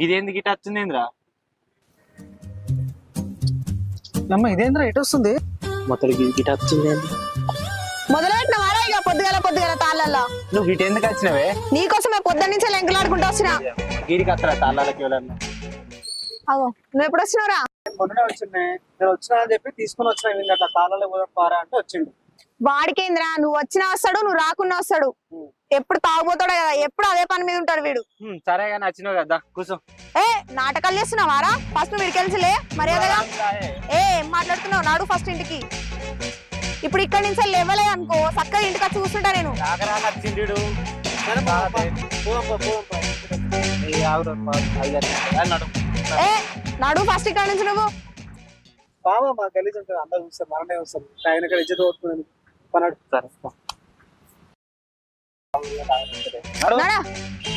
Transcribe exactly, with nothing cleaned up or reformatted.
ఇదేందుకు ఇటు వచ్చిందేంద్రా? అమ్మ ఇదేంద్రా ఎటు వస్తుంది? మొత్తం గిట వచ్చింది. మొదలెట్టిన వారా ఇక పొద్దుగల పొద్దుగల తాళ్ళల్లో. నువ్వు గిట ఎందుకు వచ్చినవే? నీకోసమే పొద్దున్న నుంచి లెంకలాడుకుంటూ వచ్చినా. గిరికి వస్తారా తాళ్ళకి ఎవరన్నా? అగో నువ్వు ఎప్పుడు వచ్చినావురా? మొన్ననే వచ్చిండే, నేను వచ్చినా అని చెప్పి తీసుకుని వచ్చిన వీళ్ళ తాళాలు పారా అంటే వచ్చిండు. వాడికేంద్రా, నువ్వు వచ్చినా వస్తాడు, నువ్వు రాకున్నా వస్తాడు. ఎప్పుడు తాగుపోతాడు కదా, ఎప్పుడు అదే పని మీద ఉంటాడు వీడు. సరే కానీ వచ్చినావు కదా, కూర్చో. ఏ నాటకాలు చేస్తున్నావారా? ఫస్ట్ నువ్వు ఇడికెళ్ళలే మర్యాదగా. ఏ ఏం మాట్లాడుతున్నావు? నాడు ఫస్ట్ ఇంటికి. ఇప్పుడు ఇక్కడి నుంచి లేవలే అనుకో, చక్కగా ఇంటికి వచ్చి కూర్చుంటా నేను. ఏ నాడు ఫస్ట్ ఇక్కడ నుంచి నువ్వు. బాబా మా గలీజ్ ఉంటుంది, అందరూ చూస్తారు, మనమే వస్తారు. ఆయన ఇక్కడ ఇజ్జత్ పోతుంది పన్నాడు. నాడా